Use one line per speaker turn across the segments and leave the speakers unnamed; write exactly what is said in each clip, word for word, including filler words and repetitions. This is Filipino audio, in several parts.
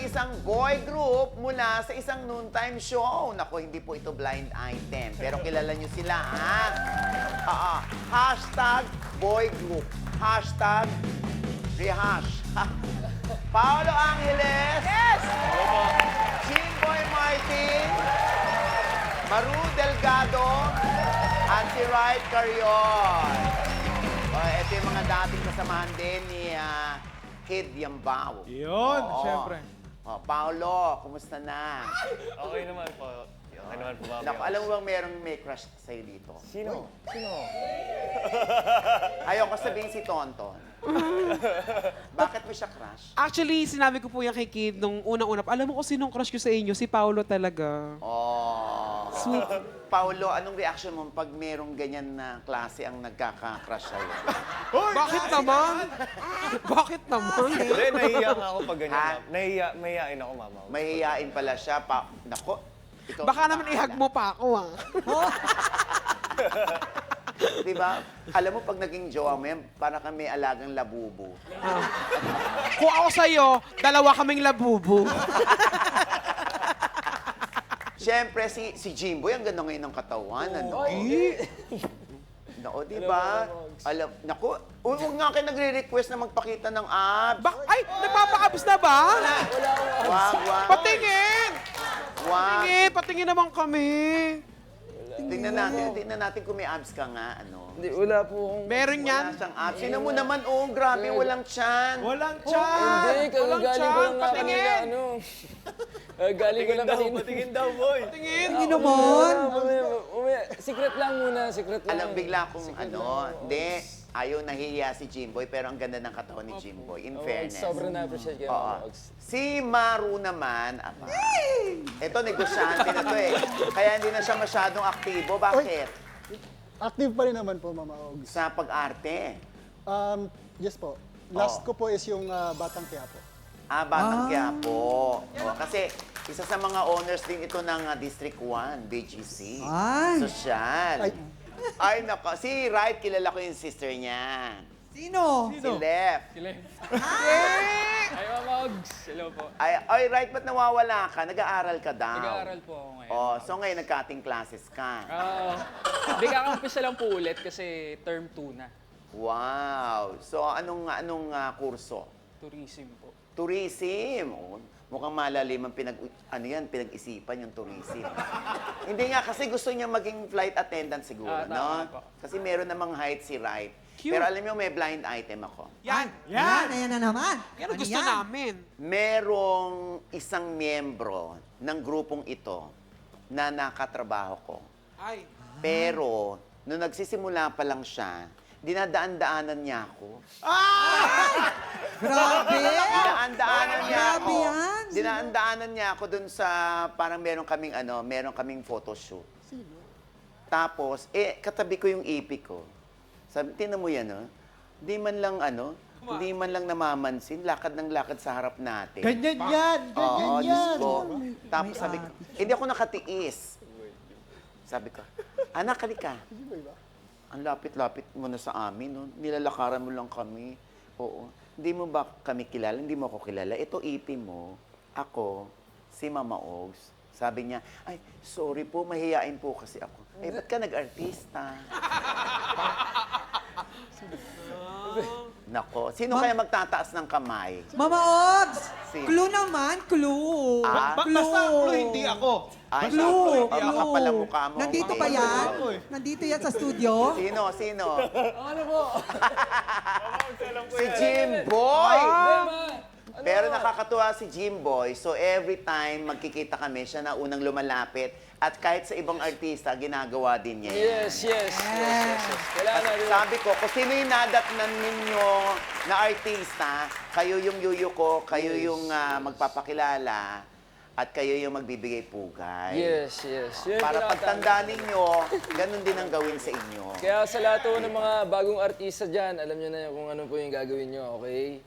isang boy group mula sa isang noontime show. Naku, hindi po ito blind item. Pero kilala nyo sila, ha? Oo. Hashtag boy group. Hashtag rehash. Paolo Angeles. Yes! Jimboy Martin. Maru Delgado. At si Wright Carrion. O, ito yung mga dating kasamahan din ni ah, Kid Yambao.
Yun,
Oo.
syempre.
O, Paolo, kumusta na?
Okay naman po. Okay naman po, Mami.
Naku, alam mo bang merong may crush sa'yo dito?
Sino? Sino?
Ayoko sabihin si Tonton. Bakit mo siya crush?
Actually, sinabi ko po yan kay Kid nung unang-una. Alam mo kung sinong crush ko sa inyo? Si Paolo talaga.
Oh.
Sweet.
Paolo, anong reaction mo pag merong ganyan na klase ang nagkaka-crush sa'yo?
Bakit naman? Bakit naman?
Hindi, nahiya nga ako pag ganyan.
Ha?
ma'am. Nahiya, mahihain ako, Mama.
Mahihiyain pala siya. Pa Nako, ikaw.
Baka naman ihag mo pa ako, ah.
Di ba? Alam mo, pag naging jowa mo yan, para kami alagang labubo.
Kung ako sa'yo, dalawa kaming labubo.
Siyempre, si, si Jimboy, ang ganda ngayon ng katawan. Ano? Nako, di ba? Alam, naku, huwag nga kayo nagre-request na magpakita ng abs.
Bak Ay, nagpapakabos na ba?
Wag, wag.
Patingin!
Wag.
Patingin, patingin naman kami.
Tingnan natin, tingnan natin kung may abs ka nga, ano.
Hindi, wala po akong...
Meron yan.
Wala siyang abs. Sino mo naman, oh, grabe, walang tiyan.
Walang chan!
Hindi,
Walang
kagagaling ko
tiyan,
lang nga kanina,
patingin.
ano. Kagagaling ko lang kanina.
Patingin daw, boy.
Patingin.
Hindi naman. Umaya, umaya. Secret lang muna, secret lang.
Alam, bigla kong
Secret
ano,
lang.
hindi, ayaw nahihiya si Jimboy, pero ang ganda ng katawan ni Jimboy, in
Oo,
fairness.
sobrang na-appreciate kayo,
Oo.
Mama Ogs.
Si Maru naman, aba, ito, negosyante na to eh. Kaya hindi na siya masyadong aktibo. Bakit?
Active pa rin naman po, Mama Ogs.
Sa pag-arte.
Um, yes po. Last
Oh.
ko po is yung ah, Batang Quiapo.
Ah, Batang Quiapo. Oh, kasi isa sa mga owners din ito ng ah, District one, B G C.
Ay.
Sosyal.
Ay.
Ay, nako. Si Wright, kilala ko yung sister niya.
Sino?
Si Lef.
Ay, Mama Ogs. Hello po.
Ay, ay, Wright, ba't nawawala ka? Nag-aaral ka daw.
Nag-aaral po ako ngayon.
Oh, so ngayon nagka-cutting classes ka.
Ah, Hindi kakampisa lang po ulit kasi term two na.
Wow. So anong anong ah, kurso?
Tourism po.
Tourism. Oh, mukhang malalim ang pinag ano yan, pinag-isipan yung tourism. Hindi nga kasi gusto niya maging flight attendant siguro,
Ah, tama
no?
po.
Kasi meron namang height si Wright.
Cute.
Pero alam niyo may blind item ako.
Yan.
Yan, ayan na naman.
Yan ang
Ano
gusto
yan?
namin.
Merong isang miyembro ng grupong ito na nakatrabaho ko.
Ay.
Pero, nung nagsisimula pa lang siya, dinadaan-daanan niya ako.
Grabe!
Dinaan-daanan niya
Grabe
ako.
yan.
Dinaan-daanan niya ako dun sa, parang meron kaming ano, meron kaming photoshoot. Tapos, eh, katabi ko yung ipik ko. Sabi, tinan mo yan, oh. Di man lang, ano, hindi man lang namamansin, lakad ng lakad sa harap natin.
Ganyan yan! Ganyan
Oo, Diyos
yan!
ko. Tapos sabi ko, hindi ako nakatiis. Sabi ko, anak, halika. Ang lapit-lapit mo na sa amin, no? Nilalakaran mo lang kami. Oo. Hindi mo ba kami kilala? Hindi mo ako kilala. Ito ipi mo. Ako, si Mama Ogs. Sabi niya, ay, sorry po, mahihain po kasi ako. Eh, ba't ka nag-artista? Nako, sino kaya magtataas ng kamay?
Mama Ogs!
Si-
Clue naman, clue.
Ah,
Ba- basta clue, hindi ako.
Ay,
Clue,
oh,
clue.
makapal ang mukha mo.
Nandito
Eh,
ba yan?
Ako eh.
Nandito yan sa studio?
Sino, sino?
Ano po?
Si Jimboy!
Ano?
Pero nakakatuwa si Jimboy. So every time magkikita kami, siya na unang lumalapit. At kahit sa ibang artista, ginagawa din niya yan.
Yes, yes, yes, yes, yes. Kailangan natin.
Sabi ko, kung sino yung nadatnan ninyo na artista, kayo yung yuyo ko, kayo yung ah, magpapakilala, at kayo yung magbibigay pugay.
Yes, yes. Yun yung
Para
pinakatama.
pagtanda ninyo, ganun din ang gawin sa inyo.
Kaya sa lahat po ng mga bagong artista dyan, alam nyo na kung ano po yung gagawin nyo, okay?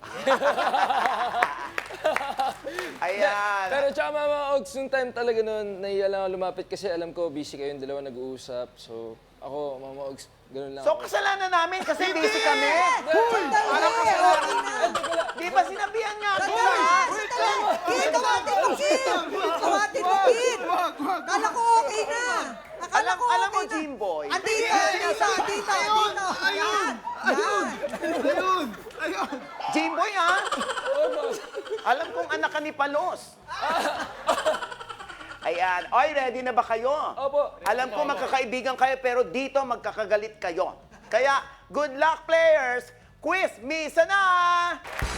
Ayan.
Pero tsaka Mama Ogs, yung time talaga nun, nahiya lang ako lumapit kasi alam ko busy kayong dalawa nag-uusap. So, ako, Mama Ogs, ganun lang
So,
ako.
kasalanan namin kasi busy kami.
Sandali! Okay na.
Di ba sinabihan nga kita?
Sandali! Sandali! Dito nga
Alam,
ko,
alam mo,
okay na.
Jimboy.
Andito, andito, andito, andito. Yan, yan.
Ayun! Ayun!
Jimboy, ha? Alam kong anak ka ni Palos. Ayan. Oy, ready na ba kayo?
Opo.
Alam ko magkakaibigan kayo, pero dito magkakagalit kayo. Kaya, good luck, players! Quiz, misa na!